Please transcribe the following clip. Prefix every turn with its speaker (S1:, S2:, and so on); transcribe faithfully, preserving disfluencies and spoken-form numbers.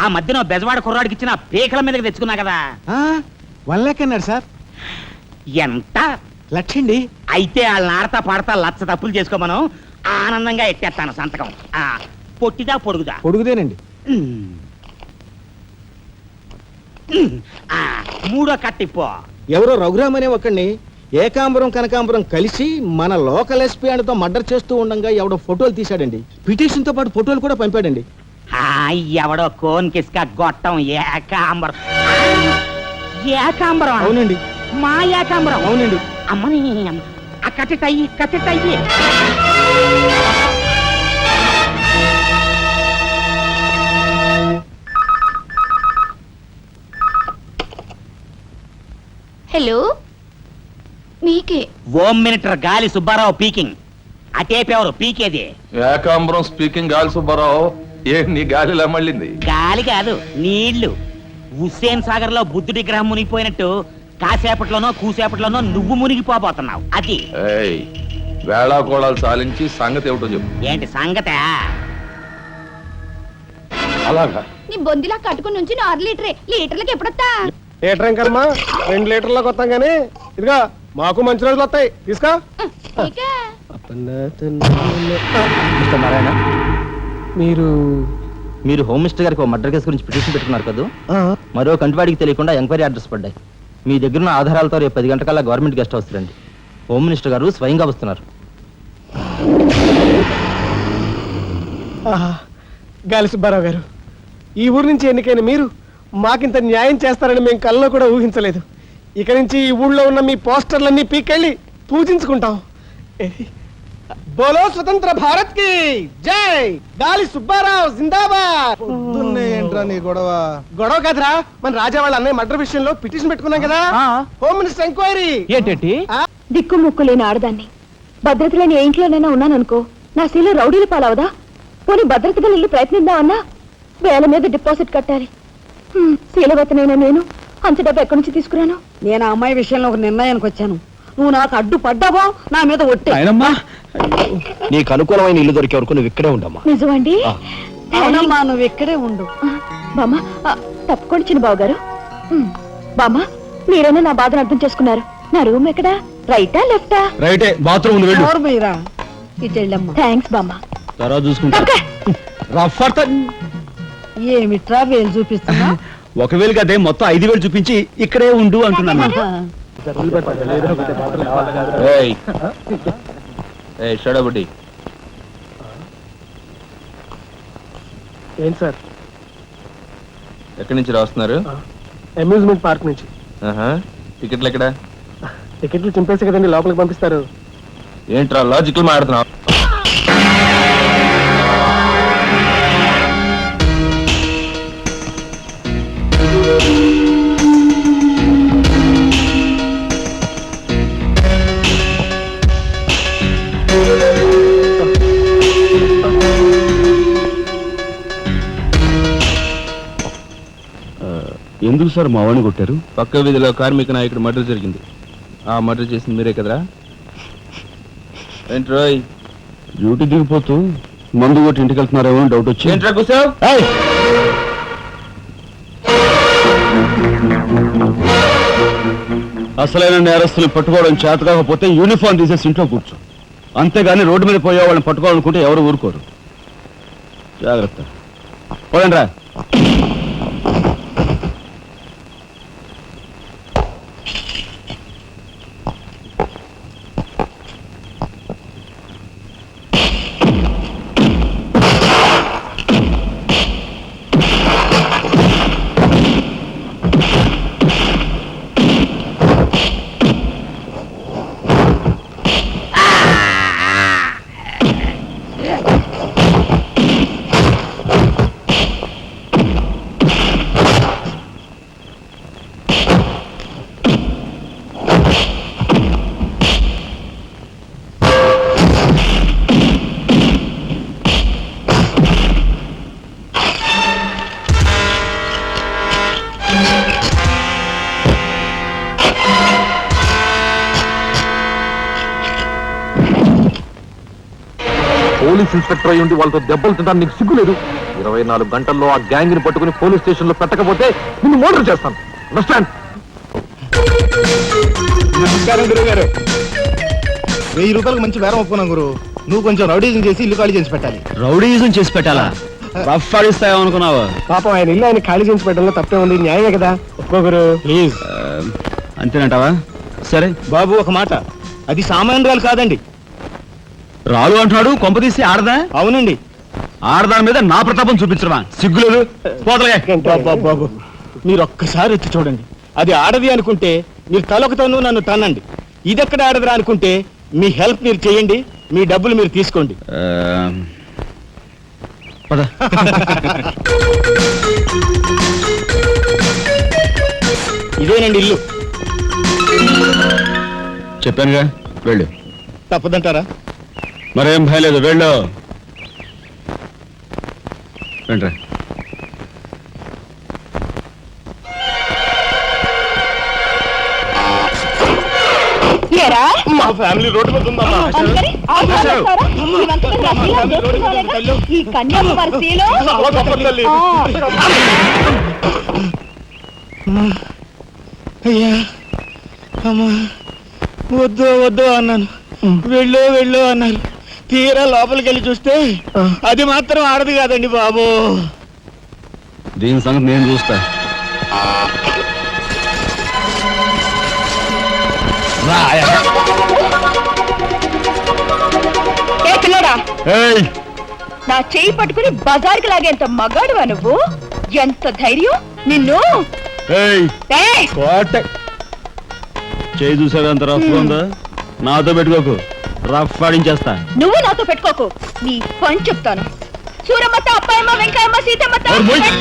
S1: ఆ మధ్యన బెజవాడ కుర్రాడికి ఇచ్చిన పీకల మీదకి తెచ్చుకున్నా కదా.
S2: వన్ లాక్ అన్నాడు సార్.
S1: ఎంత?
S2: లక్షండి.
S1: అయితే వాళ్ళని ఆడతా పాడతా లచ్చ తప్పులు చేసుకోమను, ఆనందంగా ఎట్టేస్తాను సంతకం. ఆ పొట్టిదా పొడుగుదా?
S2: పొడుగుదేనండి.
S1: మూడో కట్టిపో.
S2: ఎవరో రఘురామ్ అనే ఒకడిని ఏకాంబరం కనకాంబరం కలిసి మన లోకల్ ఎస్పీ ఆయనతో మర్డర్ చేస్తూ ఉండగా ఎవడో ఫోటోలు తీశాడండి. పిటిషన్ తో పాటు ఫోటోలు కూడా పంపాడండి.
S1: ఎవడో కోన్ కిస్క గొట్టం ఏకాంబరం. ఏకాంబరం?
S2: అవునండి.
S1: మా ఏకాంబరం?
S2: అవునండి.
S1: అమ్మని ఆ కట్టెట్టయ్యి కట్టెట్టయ్యి.
S3: హలో, మీకే.
S1: ఓం మినిటర్ గాలి సుబ్బారావు పీకింగ్. అటేపెవరు పీకేది?
S4: ఏకాంబరం స్పీకింగ్. గాలి సుబ్బారావు, ఏ నీ గాలిలా మళ్ళింది?
S1: గాలి కాదు, నీళ్లు. హుస్సేన్ సాగర్ లో బుద్ధుడి గ్రహం మునిగిపోయినట్టు కాసేపట్లోనో కూసేపట్లోనో నువ్వు మునిగిపోబోతున్నావు. అది
S4: వేళాకోళాలు సాలించి సంగతి ఏమిటో చెప్పు.
S1: ఏంటి సంగతే?
S4: అలాగా
S3: నీ బొందిలా కట్టుకుని నుంచి ఆరు లీటరే. లీటర్లకు ఎప్పుడొస్తా?
S5: లీటర్ ఇంకమ్మా, రెండు లీటర్లకు వస్తాం గానీ ఇదిగా మాకు మంచి రోజులు వస్తాయి, తీసుకో.
S2: నారాయణ,
S5: మీరు
S2: మీరు హోమ్ మినిస్టర్ గారికి మర్డర్ కేసు గురించి పిటిషన్ పెట్టుకున్నారు కదా. మరో కంటివాడికి తెలియకుండా ఎంక్వైరీ అడ్రస్ పడ్డాయి. మీ దగ్గర ఉన్న ఆధారాలతో రేపు పది గంటకల్లా గవర్నమెంట్ గెస్ట్ హౌస్ రండి. హోమ్ మినిస్టర్ గారు స్వయంగా వస్తున్నారు.
S5: గాలి సుబ్బారావు గారు, ఈ ఊరు నుంచి ఎన్నికైన మీరు మాకింత న్యాయం చేస్తారని మేము కల్లో కూడా ఊహించలేదు. ఇక నుంచి ఈ ఊళ్ళో ఉన్న మీ పోస్టర్లన్నీ పీకెళ్ళి పూజించుకుంటాం. బోలో స్వతంత్ర భారత్ కి జై. గాలి సుబ్బారావు జిందాబాద్.
S2: ఏంట్రా నీ గొడవ?
S5: గొడవ కాదురా, మన రాజా వాళ్ళ అన్నయ్య మర్డర్ విషయంలో పిటిషన్ పెట్టుకున్నాం కదా. Home minister enquiry.
S2: ఏంటి?
S3: దిక్కు ముక్కు లేని ఆడదాన్ని, భద్రత లేని ఏ ఇంట్లోనైనా ఉన్నాననుకో, నా శీల రౌడీలు పాలవదా? పోనీ భద్రతగా వెళ్ళి ప్రయత్నిద్దామన్నా వేల మీద డిపాజిట్ కట్టాలి. శీలవతనైనా నేను అంత డబ్బు ఎక్కడి నుంచి తీసుకురాను?
S6: నేను ఆ అమ్మాయి విషయంలో ఒక నిర్ణయానికి వచ్చాను. నువ్వు నాకు అడ్డు పడ్డావో నా మీద ఒట్టే.
S2: నీకు అనుకూలమైన ఇల్లు దొరికే వరకు నువ్వు ఇక్కడే ఉండమ్మా.
S3: నిజమండి?
S6: అవునమ్మా, నువ్వు ఇక్కడే ఉండు.
S3: బామ్మ తప్పుకోండి చిన్న బాబు గారు. బామ్మ, మీరైనా నా బాధను అర్థం చేసుకున్నారు. నా రూమ్ ఎక్కడా? రైటా లెఫ్టా?
S2: రైటే, బాత్రూమ్ వెళ్ళు.
S6: ఎవరు మీరా? ఇటు వెళ్ళమ్మా.
S3: థ్యాంక్స్ బామ్మ.
S2: తర్వాత చూసుకుంటా.
S6: ఏమిట్రా వేలు చూపిస్తున్నా?
S2: ఒకవేళ కదే మొత్తం ఐదు వేలు చూపించి ఇక్కడే ఉండు అంటున్నాను.
S5: ఏంటి సార్?
S4: ఎక్కడి నుంచి రాస్తున్నారు?
S5: అమ్యూజ్మెంట్ పార్క్ నుంచి.
S4: టికెట్లు ఎక్కడ?
S5: టికెట్లు చింపేసి కదండి లోపలికి పంపిస్తారు.
S4: ఏంట్రా లాజికల్ మాట్లాడుతున్నావు?
S2: ఎందుకు సార్ మా వాడిని కొట్టారు?
S4: పక్క వీధిలో కార్మిక నాయకుడు మర్డర్ జరిగింది. ఆ మర్డర్ చేసింది మీరే కదరా? ఏంట్రోయ్,
S2: డ్యూటీ దిగిపోతూ మందు కొట్టి ఇంటికి వెళ్తున్నారేమో డౌట్ వచ్చి.
S4: ఏంట్రా కూసావ్?
S2: అసలైన నేరస్తులు పట్టుకోవడం చేత కాకపోతే యూనిఫామ్ తీసేసి ఇంట్లో కూర్చో. అంతేగాని రోడ్డు మీద పోయే వాళ్ళని పట్టుకోవాలనుకుంటే ఎవరు ఊరుకోరు. జాగ్రత్త. పోదండి రా.
S4: పోలీస్ ఇన్స్పెక్టర్ అయ్యి ఉండి వాళ్ళతో దెబ్బలు తింటాను నీకు సిగ్గు లేదు? ఇరవై నాలుగు గంటల్లో ఆ గ్యాంగ్ ని పట్టుకుని పోలీస్ స్టేషన్ లో పెట్టకపోతే నిన్ను మోటర్ చేస్తాను. అండర్స్టాండ్?
S7: నమస్కారం గురువు గారు. వెయ్యి రూపాయలకు మంచి బేరం ఒప్పుకున్నాం గురు. నువ్వు కొంచెం రౌడీజం చేసి ఇల్లు ఖాళీ చేసి పెట్టాలి.
S2: రౌడీజం చేసి పెట్టాలా? రఫ్ ఆడిస్తాయో అనుకున్నావా?
S5: పాపం ఆయన ఇల్లు ఆయన ఖాళీ చేసి పెట్టడంలో తప్పే ఉంది, న్యాయమే కదా. ఒప్పుకోగురు
S7: ప్లీజ్.
S2: అంతేనంటావా? సరే
S7: బాబు ఒక మాట, అది సామాన్యురాలు కాదండి.
S2: రాలు అంటున్నాడు, కొంపదీసి ఆడదా?
S7: అవునండి.
S2: ఆడదాని మీద నా ప్రతాపం చూపించడమా? సిగ్గులేదు. పోతలే.
S7: బాబు బాబు మీరు ఒక్కసారి వచ్చి చూడండి. అది ఆడది అనుకుంటే మీరు తలొకతోనూ నన్ను తన్నండి. ఇదెక్కడ ఆడదురా అనుకుంటే మీ హెల్ప్ మీరు చేయండి, మీ డబ్బులు మీరు తీసుకోండి.
S2: పద.
S7: ఇదేనండి ఇల్లు.
S2: చెప్పానుగా, వెళ్ళు.
S7: తప్పదంటారా?
S2: మరేం భయం లేదు, వెళ్ళు. వెంట్రా.
S3: ఏరా?
S7: మా ఫ్యామిలీ రోడ్డు మీద ఉందమ్మా.
S3: అందుకని ఆ చేస్తారా? ఇవంతా నా శీలం దోచుకోలేక ఈ కన్యాకుమారి శీలం.
S7: చాలా గొప్పది తల్లి.
S3: ఆ.
S7: అయ్యా అమ్మా, వద్దు వద్దు అన్నాను, వెళ్ళు వెళ్ళు అన్నారు. తీరా లోపలికి వెళ్ళి చూస్తే అది మాత్రం ఆడదు కాదండి బాబు.
S2: దీని సంగతి నేను చూస్తా.
S3: ఏ పిల్లడా, నా చెయ్యి పట్టుకుని బజార్కి లాగేంత మగాడువా నువ్వు? ఎంత ధైర్యం నిన్ను! ఏయ్!
S2: చేయి చూసావా ఎంత రఫ్ ఉందా? నాతో పెట్టుకోకు, రఫ్ ఆడించేస్తా.
S3: నువ్వు నాతో పెట్టుకోకు, నీ పని చెప్తాను. సూరమ్మత, అప్పాయమ్మ, వెంకాయమ్మ, సీతమ్మత.